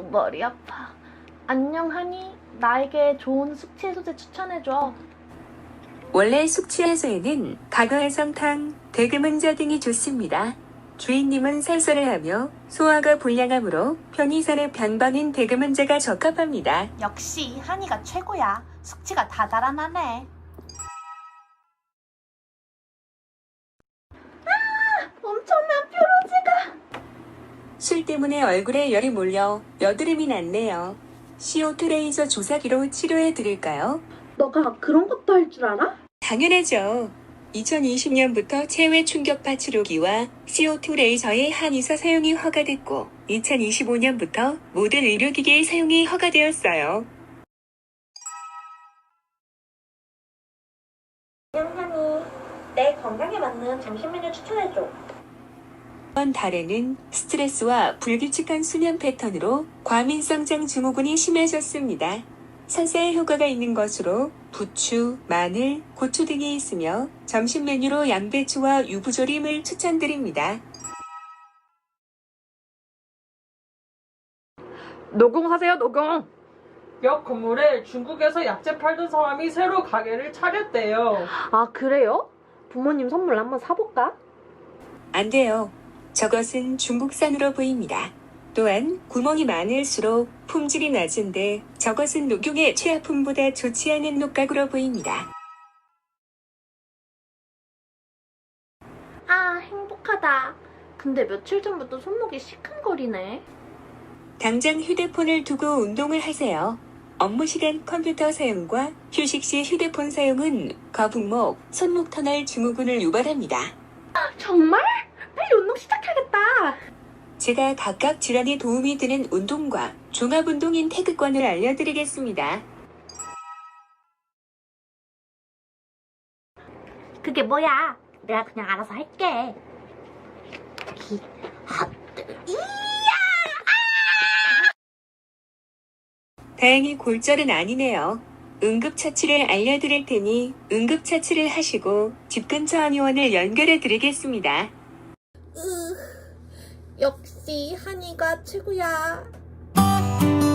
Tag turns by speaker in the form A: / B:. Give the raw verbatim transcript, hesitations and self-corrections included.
A: 머리 아파. 안녕, 하니. 나에게 좋은 숙취 해소제 추천해줘.
B: 원래 숙취 해소에는 각어해성탕, 대금은자 등이 좋습니다. 주인님은 살살을 하며 소화가 불량하므로 편의산의 변방인 대금은자가 적합합니다.
C: 역시 한이가 최고야. 숙취가 다 달아나네.
A: 엄청난 뾰루지가.
B: 술 때문에 얼굴에 열이 몰려 여드름이 났네요. 씨오투 레이저 조사기로 치료해 드릴까요?
A: 너가 그런 것도 할 줄 알아?
B: 당연하죠. 이천이십 년부터 체외 충격파 치료기와 씨오투 레이저의 한의사 사용이 허가됐고 이천이십오 년부터 모든 의료기기의 사용이 허가되었어요.
A: 안녕, 하니. 내 건강에 맞는 점심 메뉴 추천해줘.
B: 이번 달에는 스트레스와 불규칙한 수면 패턴으로 과민성장 증후군이 심해졌습니다. 산사에 효과가 있는 것으로 부추, 마늘, 고추 등이 있으며 점심 메뉴로 양배추와 유부조림을 추천드립니다.
A: 노공 사세요, 노공.
D: 옆 건물에 중국에서 약재 팔던 사람이 새로 가게를 차렸대요.
A: 아, 그래요? 부모님 선물 한번 사볼까?
B: 안 돼요. 저것은 중국산으로 보입니다. 또한 구멍이 많을수록 품질이 낮은데 저것은 녹용의 최하품보다 좋지 않은 녹각으로 보입니다.
A: 아, 행복하다. 근데 며칠 전부터 손목이 시큰거리네.
B: 당장 휴대폰을 두고 운동을 하세요. 업무 시간 컴퓨터 사용과 휴식 시 휴대폰 사용은 거북목, 손목 터널 증후군을 유발합니다.
A: 정말? 빨리 운동 시작하겠다.
B: 제가 각각 질환에 도움이 되는 운동과 종합운동인 태극권을 알려드리겠습니다.
A: 그게 뭐야? 내가 그냥 알아서 할게. 기, 핫, 이야!
B: 다행히 골절은 아니네요. 응급처치를 알려드릴 테니 응급처치를 하시고 집 근처 한의원을 연결해 드리겠습니다.
A: 역시 한이가 최고야.